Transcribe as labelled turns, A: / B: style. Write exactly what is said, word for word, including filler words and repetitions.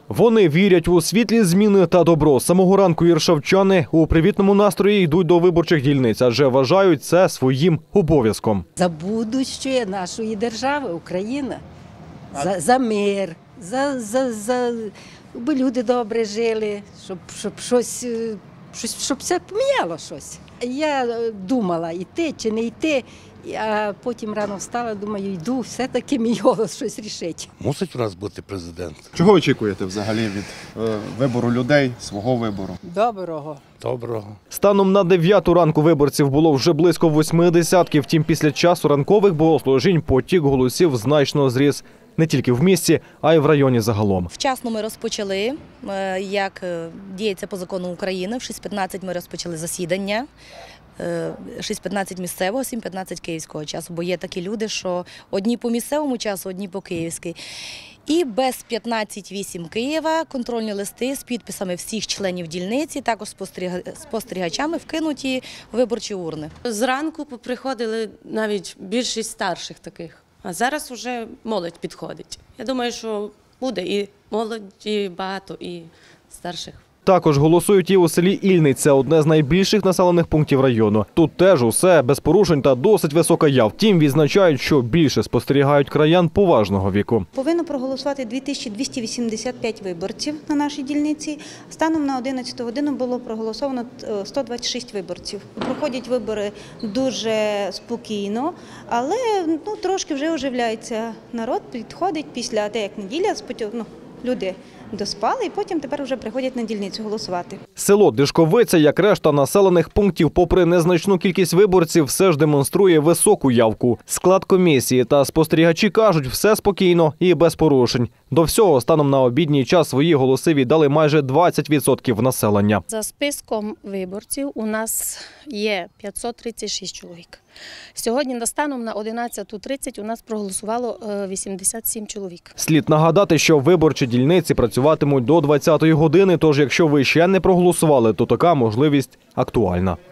A: Вони вірять у світлі зміни та добро. З самого ранку іршавчани у привітному настрої йдуть до виборчих дільниць, адже вважають це своїм обов'язком.
B: За будущее нашої держави, України, за, за мир, за, за, за, щоб люди добре жили, щоб, щоб щось, щось, щоб все поміняло щось. Я думала, йти чи не йти, а потім рано встала, думаю, йду, все-таки мій голос щось рішить.
C: Мусить у нас бути президент.
D: Чого очікуєте взагалі від е, вибору людей, свого вибору?
B: Доброго.
C: Доброго.
A: Станом на дев'яту ранку виборців було вже близько восьми десятків. Втім, після часу ранкових богослужінь потік голосів значно зріс. Не тільки в місті, а й в районі загалом.
E: Вчасно ми розпочали, як діється по закону України. В шість п'ятнадцять ми розпочали засідання. шість п'ятнадцять місцевого, сім п'ятнадцять київського часу. Бо є такі люди, що одні по місцевому часу, одні по київській. І без п'ятнадцять вісім Києва контрольні листи з підписами всіх членів дільниці, також спостерігачами вкинуті в виборчі урни.
F: Зранку приходили навіть більшість старших таких, а зараз вже молодь підходить. Я думаю, що буде і молоді багато, і старших.
A: Також голосують і у селі Ільниця, одне з найбільших населених пунктів району. Тут теж усе без порушень та досить висока яв. Втім, відзначають, що більше спостерігають краян поважного віку.
G: Повинно проголосувати дві тисячі двісті вісімдесят п'ять виборців на нашій дільниці. Станом на одинадцяту годину було проголосовано сто двадцять шість виборців. Проходять вибори дуже спокійно, але ну, трошки вже оживляється народ, підходить після те, як неділя, ну, люди доспали і потім тепер вже приходять на дільницю голосувати.
A: Село Дишковиця, як решта населених пунктів, попри незначну кількість виборців, все ж демонструє високу явку. Склад комісії та спостерігачі кажуть, все спокійно і без порушень. До всього, станом на обідній час свої голоси віддали майже двадцять відсотків населення.
H: За списком виборців у нас є п'ятсот тридцять шість чоловік. Сьогодні на станом на одинадцяту тридцять у нас проголосувало вісімдесят сім чоловік.
A: Слід нагадати, що виборчі дільниці працюватимуть до двадцятої години, тож якщо ви ще не проголосували, то така можливість актуальна.